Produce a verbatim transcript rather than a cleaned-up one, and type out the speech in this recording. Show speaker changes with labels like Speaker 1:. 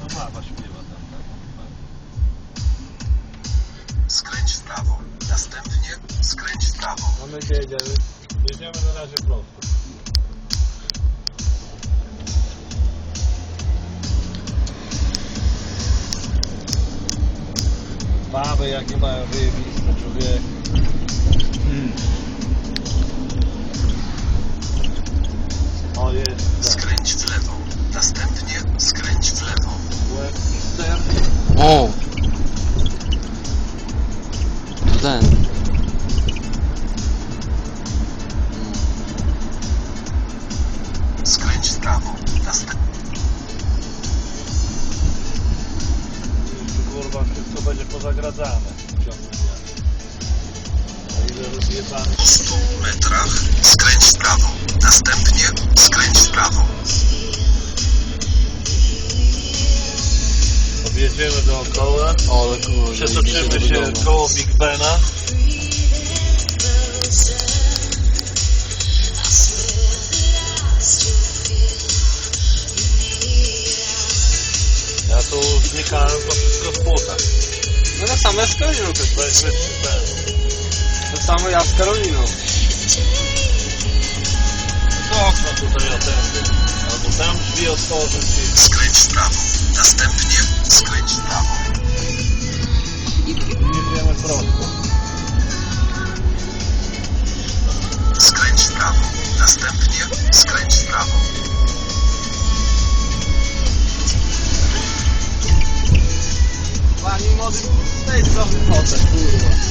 Speaker 1: mama śpiewa tam, tak?
Speaker 2: Skręć w prawo. Następnie skręć w prawo.
Speaker 3: A my gdzie jedziemy?
Speaker 1: Jedziemy na razie prosto. Baby jakie mają wyjebiste, człowiek.
Speaker 3: Hmm.
Speaker 1: O, jest.
Speaker 2: Skręć w lewo. Następnie skręć w lewo.
Speaker 1: Webster.
Speaker 4: O! To ten.
Speaker 2: Skręć w prawo. Następnie
Speaker 1: Kurwa, wszystko będzie pozagradzane w ciągu dnia. O ile rozjebane.
Speaker 2: po stu metrach skręć w prawo. Następnie skręć w prawo.
Speaker 1: Objedziemy dookoła.
Speaker 4: O, ale kurwa.
Speaker 1: Przetoczymy się koło Big Bena. Ja tu znikałem, to wszystko w butach.
Speaker 3: No tak samo ja z Karoliną też.
Speaker 1: Weź wytrzy ten.
Speaker 3: To samo ja z Karoliną.
Speaker 1: To okno tutaj otędy. Albo tam drzwi otworzyć i...
Speaker 2: Skręć w prawo. Następnie skręć w prawo.
Speaker 1: I jedziemy prosto.
Speaker 2: Skręć w prawo. Następnie skręć w prawo.
Speaker 3: Pani młody z tej strony potem, kurwa.